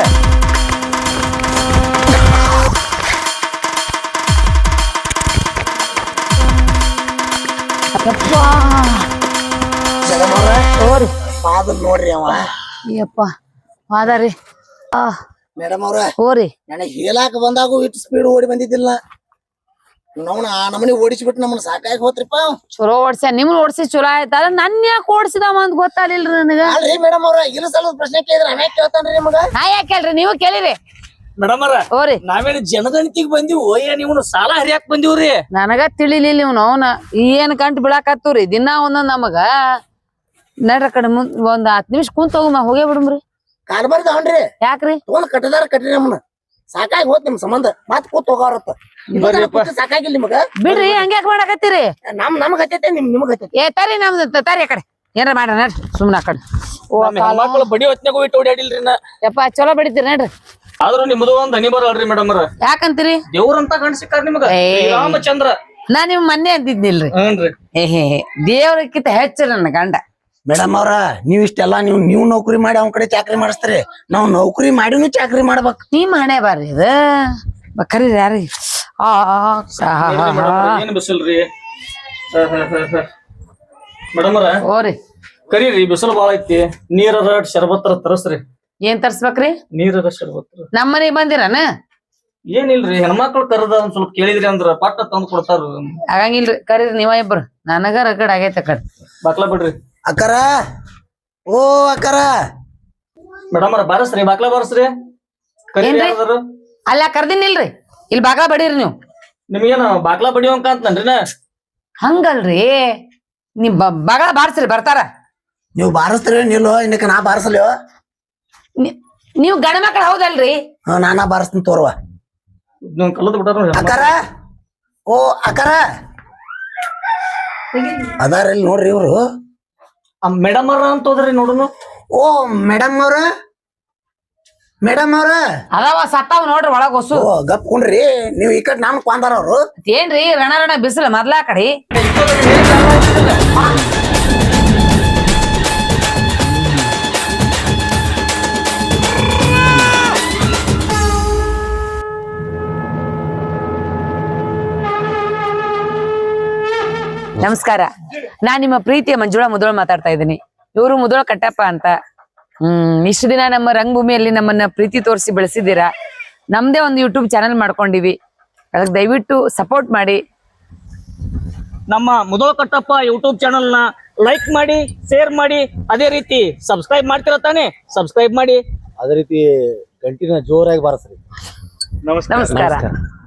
ನೋಡ್ರಿ ಅವ ಅಯ್ಯಪ್ಪ ಹಾದಾರಿ. ಮೇಡಮ್ ಅವ್ರ ಹೋರಿ ನನಗ್ ಹೇಳಾಕ ಬಂದಾಗೂ ಇಟ್ಟು ಸ್ಪೀಡ್ ಓಡಿ ಬಂದಿದ್ದಿಲ್ಲ. ನಮ್ಮನ್ನ ಆ ನಮನಿ ಓಡಿಸ್ಬಿಟ್ಟು ನಮ್ಮನ್ನ ಸಾಕಾಗಿ ಹೋತ್ರಿಪ್ಪ. ಚಲೋ ಓಡ್ಸ್ಯ. ನಿಮ್ನ ಓಡ್ಸಿ ಚಲೋ ಆಯ್ತ. ನನ್ ಯಾಕೆ ಓಡ್ಸಿದವ ಅಂತ ಗೊತ್ತಾಗ್ಲಿಲ್ರಿ ನನಗ. ಅಲ್ರಿ ಮೇಡಮ್ ಅವ್ರ ಇಲ್ಲ ಸಲ ಪ್ರಶ್ನೆ ಕೇಳಿದ್ರ ಅವ ಕೇಳ್ತಾನ್ರಿ ನಿಮಗ. ನಾ ಯಾಕೆ ಕೇಳ್ರಿ, ನೀವು ಕೇಳಿರಿ. ಮೇಡಮ್ ಅವ್ರ ಹೋರಿ ನಾವೇನು ಜನಗಣತಿಗ್ ಬಂದಿವು, ನೀವು ಸಾಲ ಹರಿಯಾಕ್ ಬಂದಿವ್ರಿ. ನನಗ ತಿಳಿಲಿಲ್ಲ ಇವ್ನು ಅವನ ಏನ್ ಕಂಟ್ ಬಿಡಾಕತ್ತವ್ರಿ ದಿನ ಒಂದೊಂದ್ ನಮಗ. ನಡ್ರ ಕಡೆ ಮುಂದ್ ಒಂದ್ 10 ನಿಮಿಷ ಕುಂತ ಹೋಗೇ ಬಿಡಮ್ರಿ. ಕಾರ್ಬಾರ್ದ ಅವನ್ರಿ ಯಾಕ್ರಿ? ತಗೊಂಡ್ ಕಟ್ಟದಾರ ಕಟ್ರಿ ನಮ್ಮನ್ನ. ಸಾಕಾಗಿ ಹೋತ್ ನಿಮ್ ಸಂಬಂಧ. ಮತ್ ಕೂತ್ ಹೋಗಾರತ್ತ. ಸಾಕಾಗಿಲ್ಲ ನಿಮಗ. ಬಿಡ್ರಿ ಹಂಗ್ಯಾಕ್ ಮಾಡಾಕತ್ತೀರಿ? ನಮಗ್ ಹತ್ತೈತೆ ನಿಮಗ್ ಹತ್ತೈತೆ. ತರಿ ನಮ್ದು ತರಿ ಆ ಕಡೆ ಏನಾರ ಮಾಡ್ರಿ ನಡ್ರಿ ಸುಮ್ನ ಆ ಕಡೆ. ಮಕ್ಕಳು ಬಡಿ ಹೊತ್ನಾಗ ಹೋಗಿ ಓಡಾಡಿಲ್ರಿ ನಾ. ಯಪ್ಪ ಚಲೋ ಬಡಿತೀರಿ ನಡ್ರಿ. ಆದ್ರೂ ನಿಮ್ದು ಒಂದ್ ಹನಿ ಬರಲ್ರಿ ಮೇಡಮ್ ಅವ್ರ. ಯಾಕಂತೀರಿ? ದೇವ್ರಂತ ಗಂಡ ಸಿಕ್ಕಾರ ನಿಮ್ಗ. ರಾಮಚಂದ್ರ. ನಾ ನಿಮ್ ಮೊನ್ನೆ ಅಂದಿದ್ನಿಲ್ರಿ. ದೇವ್ರಕ್ಕಿಂತ ಹೆಚ್ಚು ನನ್ನ ಗಂಡ. ಮೇಡಮ್ ಅವ್ರ ನೀವ್ ಇಷ್ಟೆಲ್ಲಾ ನೀವು ನೌಕರಿ ಮಾಡಿ ಅವ್ನ ಕಡೆ ಚಾಕ್ರಿ ಮಾಡಿಸ್ತೀರಿ. ನಾವ್ ನೌಕರಿ ಮಾಡಿನೂ ಚಾಕ್ರಿ ಮಾಡ್ಬೇಕ್. ನಿಮ್ ಹಣೆ ಬರ್ರಿ ಇದು. ಕರೀರಿ ಯಾರಿಗೆ? ಏನ್ ಬಿಸಿಲ್ರಿ ಮೇಡಮ್ ಅವ್ರ. ಓರಿ ಕರೀರಿ, ಬಿಸಿಲು ಬಾಳ ಐತಿ. ನೀರರ ಶರ್ಬತ್ತರ ತರಸ್ರಿ. ಏನ್ ತರ್ಸ್ಬೇಕ್ರಿ? ನೀರರ ಶರ್ಬತ್ತರ. ನಮ್ ಮನೆಗ್ ಬಂದಿರನ? ಏನಿಲ್ರಿ, ಹೆಣ್ಮಕ್ಳು ಕರದ ಒಂದ್ ಸ್ವಲ್ಪ ಕೇಳಿದ್ರಿ ಅಂದ್ರ ಪಟ್ಟ ತಂದ್ ಕೊಡ್ತಾರ. ಆಗಂಗಿಲ್ರಿ, ಕರೀರಿ ನೀವ ಇಬ್ರು. ನನಗ ರಗಡ್ ಆಗೈತೆ ಕಡೆ. ಬಾಕ್ಲಾ ಬಿಡ್ರಿ. ಅಕ್ಕರ ಓ ಅಕ್ಕರ. ಮೇಡಮ್ ಅವ್ರ ಬಾರಸ್ರಿ, ಬಾಕ್ಲಾ ಬಾರಸ್ರಿ. ಏನ್ರಿ? ಅಲ್ಲ ಕರ್ದಿನಿಲ್ರಿ, ಇಲ್ಲಿ ಬಾಗ್ಲಾ ಬಡೀರಿ ನೀವು. ನಿಮ್ಗೇನ ಬಾಕ್ಲಾ ಬಡಿಯೋಂಕ ಅಂತನ್ರಿ ನಾ. ಹಂಗಲ್ರಿ, ನಿಮ್ ಬಾಗ್ಲಾ ಬಾರ್ಸ್ರಿ ಬರ್ತಾರ. ನೀವು ಬಾರಿಸ್ತೀರಿ ನಿಲ್ಲೋ ಇನ್ನಕ್ಕೆ ನಾ ಬಾರಿಸಲ್ಯೋ? ನೀವು ಗಂಡ ಮಕ್ಳು ಹೌದಲ್ರಿ? ನಾನಾ ಬಾರಿಸ್ತೀನಿ ತೋರ್ವ. ಕಲ್ಲದ ಬಿಟ್ಟಾರ ಅಕ್ಕಾರ ಓ ಅಕ್ಕಾರ ಅದಾರ ಇಲ್ಲಿ ನೋಡ್ರಿ ಇವ್ರು ಮೇಡಮ್ ಅವ್ರ ಅಂತ ಹೋದ್ರಿ ನೋಡುನು. ಓ ಮೇಡಮ್ ಅವ್ರ ಅದಾವ ಸತ್ತಾವ್ ನೋಡ್ರಿ ಒಳಗ್ ಹೊಸು. ಓ ಗಪ್ ಕುಂಡ್ರಿ ನೀವ್ ಈ ಕಡೆ ನಮ್ ಕೊಂದಾರ ಅವ್ರು. ಏನ್ರಿ ರಣ ಬಿಸಿಲು ಮೊದ್ಲಾ ಕಡೆ. ನಮಸ್ಕಾರ, ನಾನ್ ನಿಮ್ಮ ಪ್ರೀತಿಯ ಮಂಜುಳಾ ಮುದೋಳ್ ಮಾತಾಡ್ತಾ ಇದ್ದೀನಿ. ಇವರು ಮುದೋಳ ಕಟ್ಟಪ್ಪ ಅಂತ. ಇಷ್ಟು ದಿನ ನಮ್ಮ ರಂಗಭೂಮಿಯಲ್ಲಿ ನಮ್ಮನ್ನ ಪ್ರೀತಿ ತೋರಿಸಿ ಬೆಳೆಸಿದ್ದೀರಾ. ನಮ್ದೇ ಒಂದು ಯೂಟ್ಯೂಬ್ ಚಾನೆಲ್ ಮಾಡ್ಕೊಂಡಿವಿ, ಅದಕ್ಕೆ ದಯವಿಟ್ಟು ಸಪೋರ್ಟ್ ಮಾಡಿ. ನಮ್ಮ ಮುದೋಳ ಕಟ್ಟಪ್ಪ ಯೂಟ್ಯೂಬ್ ಚಾನಲ್ ನ ಲೈಕ್ ಮಾಡಿ, ಶೇರ್ ಮಾಡಿ, ಅದೇ ರೀತಿ ಸಬ್ಸ್ಕ್ರೈಬ್ ಮಾಡ್ತಿರ ತಾನೆ, ಸಬ್ಸ್ಕ್ರೈಬ್ ಮಾಡಿ. ಅದೇ ರೀತಿ ಗಂಟಿನ ಜೋರಾಗಿ ಬಾರಿಸ್ರಿ. ನಮಸ್ಕಾರ.